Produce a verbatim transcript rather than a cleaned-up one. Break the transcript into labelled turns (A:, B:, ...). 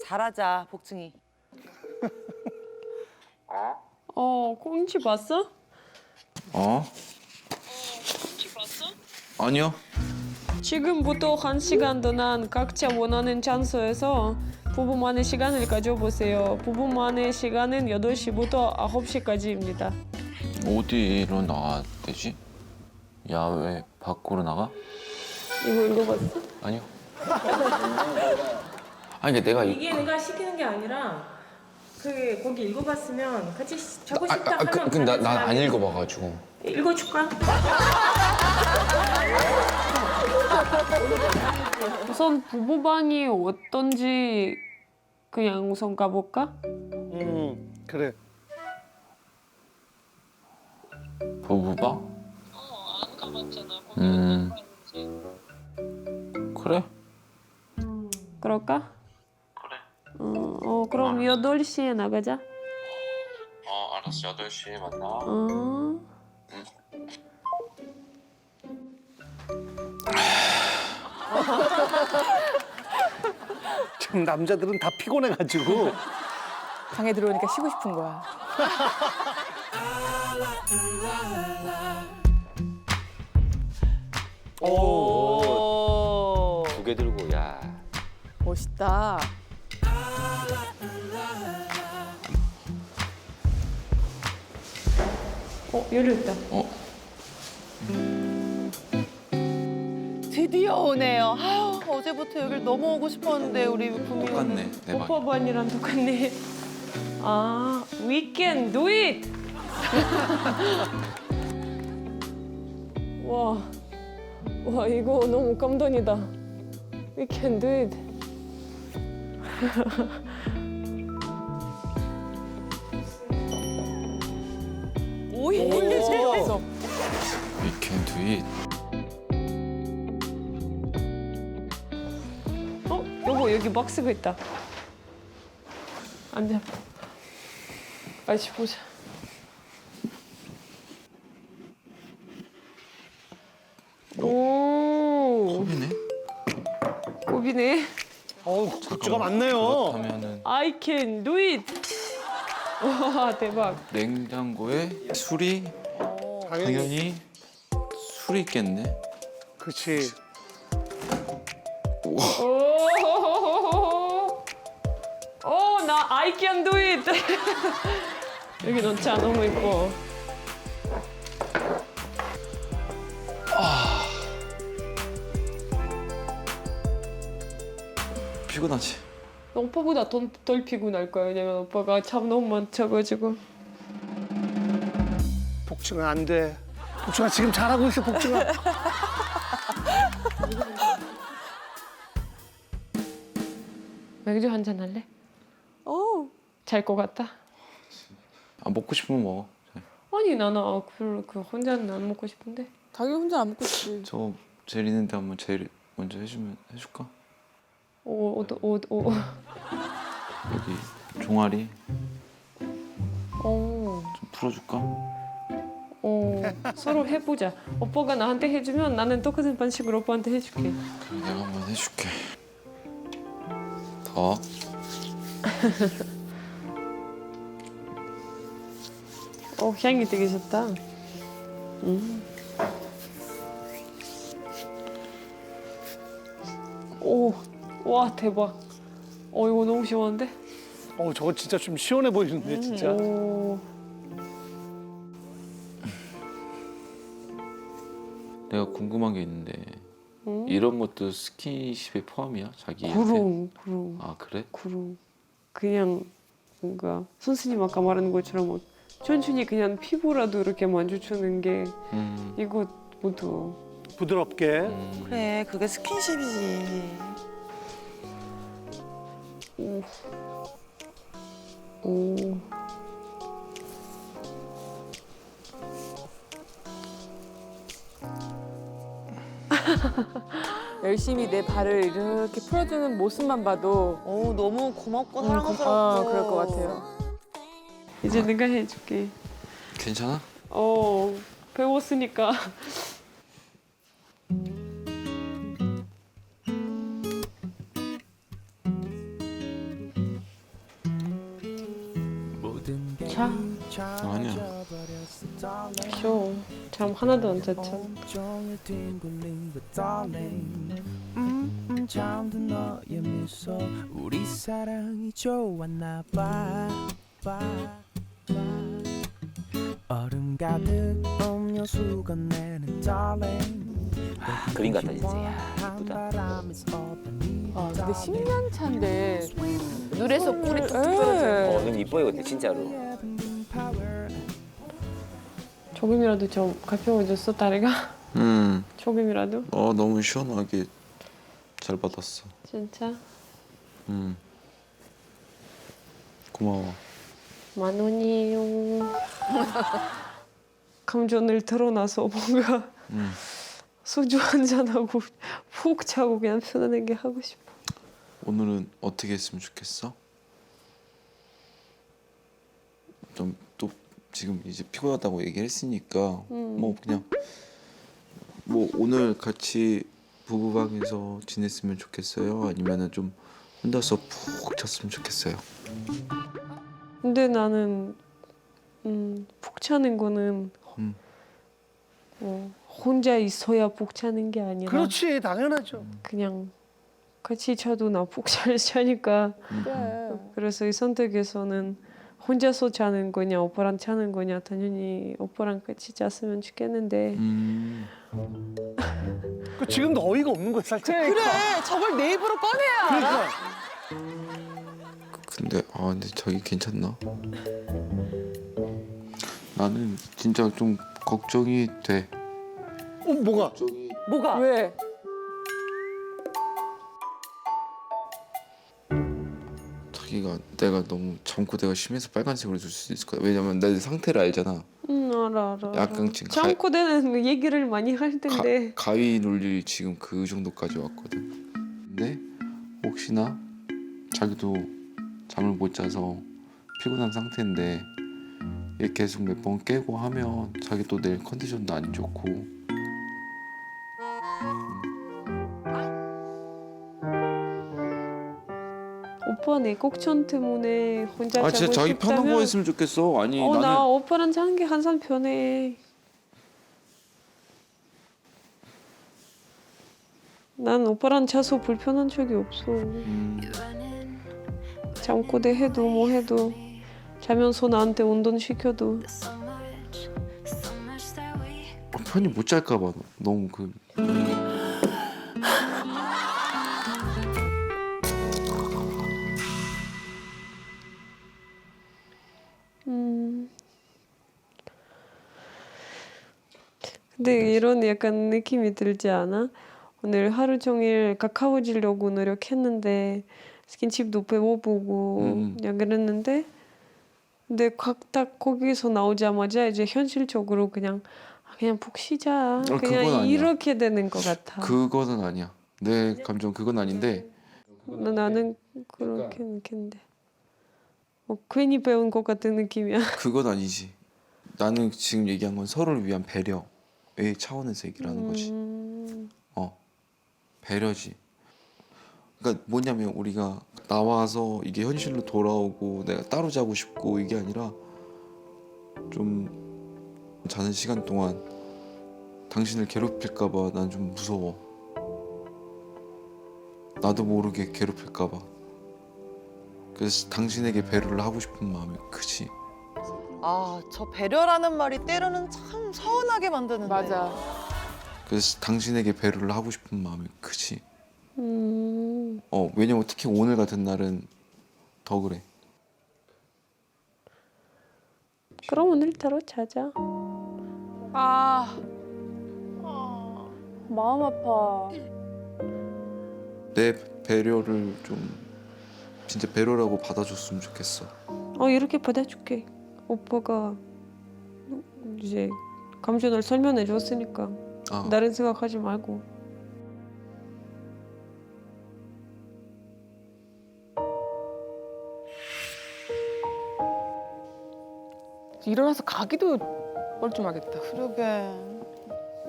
A: 잘하자, 복층이.
B: 어, 꽁치 봤어?
C: 어?
B: 꽁치 봤어?
C: 아니요.
B: 지금부터 한 시간 동안 각자 원하는 장소에서 부부만의 시간을 가져보세요. 부부만의 시간은 여덟 시부터 아홉 시까지입니다.
C: 어디로 나가야 되지? 야외 밖으로 나가?
B: 이거 읽어봤어?
C: 아니요. 아니 근데 내가 이-
B: 이게 내가 시키는 게 아니라 그 거기 읽어봤으면 같이 시- 자고
C: 아,
B: 싶다
C: 아,
B: 하면
C: 그, 근데 난 안
B: 같이
C: 읽어봐가지고.
B: 읽어줄까? 우선 부부방이 어떤지 그냥 우선 가볼까?
D: 음, 그래.
C: 부부방?
B: 어, 안 가봤잖아.
C: 음. 그래?
B: 그럴까? 그래. 어, 어 그럼 여덟 시에 나가자.
C: 어 알았어. 여덟 시에 만나.
B: 어.
D: 지금 남자들은 다 피곤해가지고.
A: 방에 들어오니까 쉬고 싶은 거야. 오,
C: 두 개 들고 야.
A: 멋있다.
B: 어 열렸다.
C: 어?
A: 드디어 오네요. 아유, 어제부터 여길 너무 오고 싶었는데 우리 구미
C: 똑같네. 내 방.
B: 오빠 반이랑 똑같네. 아, we can do it. 와, 와 이거 너무 감동이다. We can do it.
A: 오이 진짜.
C: We can do it.
B: 어, 여보 여기 박스가 있다. 앉아. 같이 보자. 오,
C: 컵이네?
B: 꼽이네.
D: 어우, 굿즈가 많네요.
C: 그렇다면은
B: I can do it. 와 대박.
C: 냉장고에 술이
D: 당연히.
C: 당연히 술이 있겠네.
D: 그렇지.
B: 오, 오, 나 I can do it. 여기 넣자 너무 이뻐.
C: 피곤하지?
B: 오빠보다 더, 덜 피곤할 거야. 왜냐면 오빠가 잠 너무 많쳐가지고.
D: 복층아, 안 돼. 복층아, 지금 잘하고 있어, 복층아.
B: 맥주 한잔 할래?
A: 오,
B: 잘 것 같다.
C: 아 먹고 싶으면 먹어.
B: 아니 나는 아, 그, 그 혼자는 안 먹고 싶은데.
A: 당연히 혼자 안 먹고 싶지.
C: 저 제일 있는데 한번 제일 먼저 해주면 해줄까?
B: 오, 오, 오, 오.
C: 여기 종아리
B: 오,
C: 좀 풀어줄까?
B: 오. 서로 해보자. 오빠가 나한테 해주면 나는 똑같은 방식으로 오빠한테 해줄게.
C: 그럼 내가 한번 해줄게. 더.
B: 어, 향이 되게 좋다. 음. 오, 와 대박. 어 이거 너무 시원한데?
D: 어, 저거 진짜 좀 시원해 보이는데, 진짜.
B: 오,
C: 내가 궁금한 게 있는데
B: 음?
C: 이런 것도 스킨십에 포함이야? 자기한테?
B: 그럼, 그럼,
C: 아 그래?
B: 그럼. 그냥 뭔가 선생님 아까 말한 것처럼 뭐 천천히 그냥 피부라도 이렇게 만져주는 게
C: 음.
B: 이거 모두.
D: 부드럽게.
C: 음.
A: 그래, 그게 스킨십이지.
B: 오, 오.
A: 열심히 내 발을 이렇게 풀어주는 모습만 봐도
E: 오 너무 고맙고
A: 음,
E: 사랑스럽고
A: 어, 그럴 것 같아요.
B: 이제 내가 해줄게.
C: 괜찮아?
B: 어, 배웠으니까. 자.
C: 아니야.
B: 쉬어. 잠 하나도 안 잤잖아.
E: 종일 뒹굴린 그 darling 음, 음, 잠든 너의 미소 우리 사랑이 좋았나 봐, 봐, 봐. 얼음 가득 음료수가 내는 darling
F: 아, 그림 같다 진짜. 야, 이쁘다.
A: 아, 근데 십 년 차인데
G: 눈에서 꿀이 뚝뚝
A: 예.
G: 떨어져.
F: 어, 눈 이뻐요 근데 진짜로.
B: 조금이라도 좀 가벼워졌어 다리가?
C: 음.
B: 조금이라도?
C: 어 너무 시원하게 잘 받았어.
B: 진짜?
C: 음. 고마워.
B: 만 원이요. 감전을 털어놔서 뭔가
C: 음.
B: 소주 한잔하고 푹 자고 그냥 편안하게 하고 싶어.
C: 오늘은 어떻게 했으면 좋겠어? 좀 또 지금 이제 피곤하다고 얘기를 했으니까
B: 음.
C: 뭐 그냥 뭐 오늘 같이 부부방에서 지냈으면 좋겠어요? 아니면은 좀 혼자서 푹 잤으면 좋겠어요?
B: 근데 나는 음, 푹 자는 거는
C: 음.
B: 어, 혼자 있어야 푹 자는 게 아니라
D: 그렇지, 당연하죠.
B: 그냥 같이 자도 나 푹 잘 자니까
C: 음, 음.
A: 그래.
B: 그래서 이 선택에서는 혼자서 자는 거냐 오빠랑 자는 거냐 당연히 오빠랑 같이 잤으면 좋겠는데
C: 음.
D: 그 지금도 어이가 없는 거야, 살짝.
A: 그래, 저걸 내 입으로 꺼내야 알아.
D: 그러니까.
C: 근데 아 근데 자기 괜찮나? 나는 진짜 좀 걱정이 돼.
D: 어, 뭐가?
C: 걱정이
A: 뭐가? 왜?
C: 자기가 내가 너무 잠꼬대가 심해서 빨간색으로 줄 수 있을 거야. 왜냐면 내 상태를 알잖아.
B: 음 알아 알아
C: 약간 지금 가-
B: 잠꼬대는 얘기를 많이 할 텐데
C: 가, 가위 눌릴 지금 그 정도까지 왔거든. 근데 혹시나 자기도 잠을 못 자서 피곤한 상태인데 이렇게 계속 몇 번 깨고 하면 자기 또 내일 컨디션도 안 좋고.
B: 오빠 내 걱정 때문에 혼자
C: 아
B: 자고
C: 진짜 자기
B: 싶다면
C: 편한 거 했으면 좋겠어. 아니
B: 어,
C: 나는
B: 나 오빠랑 자는 게 항상 편해. 난 오빠랑 자서 불편한 적이 없어.
C: 음,
B: 잠꼬대 해도 뭐 해도 자면서 나한테 운동 시켜도
C: 편히 못 잘까 봐 너무 그
B: 음. 근데 이런 약간 느낌이 들지 않아? 오늘 하루 종일 가까워지려고 노력했는데 스킨십도 배워보고
C: 음.
B: 그냥 그랬는데 근데 각 딱 거기서 나오자마자 이제 현실적으로 그냥 아, 그냥 푹 쉬자
C: 그건
B: 그냥
C: 아니야.
B: 이렇게 되는 것 같아.
C: 그거는 아니야. 내 감정 그건 아닌데
B: 나, 나는 그렇게 느꼈는데 어, 괜히 배운 것 같은 느낌이야.
C: 그건 아니지. 나는 지금 얘기한 건 서로를 위한 배려의 차원에서 얘기를 하는 거지.
B: 음,
C: 어 배려지. 그러니까 뭐냐면 우리가 나와서 이게 현실로 돌아오고 내가 따로 자고 싶고 이게 아니라 좀 자는 시간 동안 당신을 괴롭힐까봐 난 좀 무서워. 나도 모르게 괴롭힐까봐. 그래서 당신에게 배려를 하고 싶은 마음이 크지.
G: 아, 저 배려라는 말이 때로는 참 서운하게 만드는데.
A: 맞아.
C: 그래서 당신에게 배려를 하고 싶은 마음이 크지.
B: 음,
C: 어 왜냐면 특히 오늘 같은 날은 더 그래.
B: 그럼 오늘따라 자자.
A: 아, 마음 아파.
C: 내 배려를 좀 진짜 배려라고 받아줬으면 좋겠어.
B: 어 이렇게 받아줄게. 오빠가 이제 감정을 설명해 줬으니까
C: 아,
B: 다른 생각하지 말고.
A: 일어나서 가기도 뻘쭘하겠다.
G: 그러게.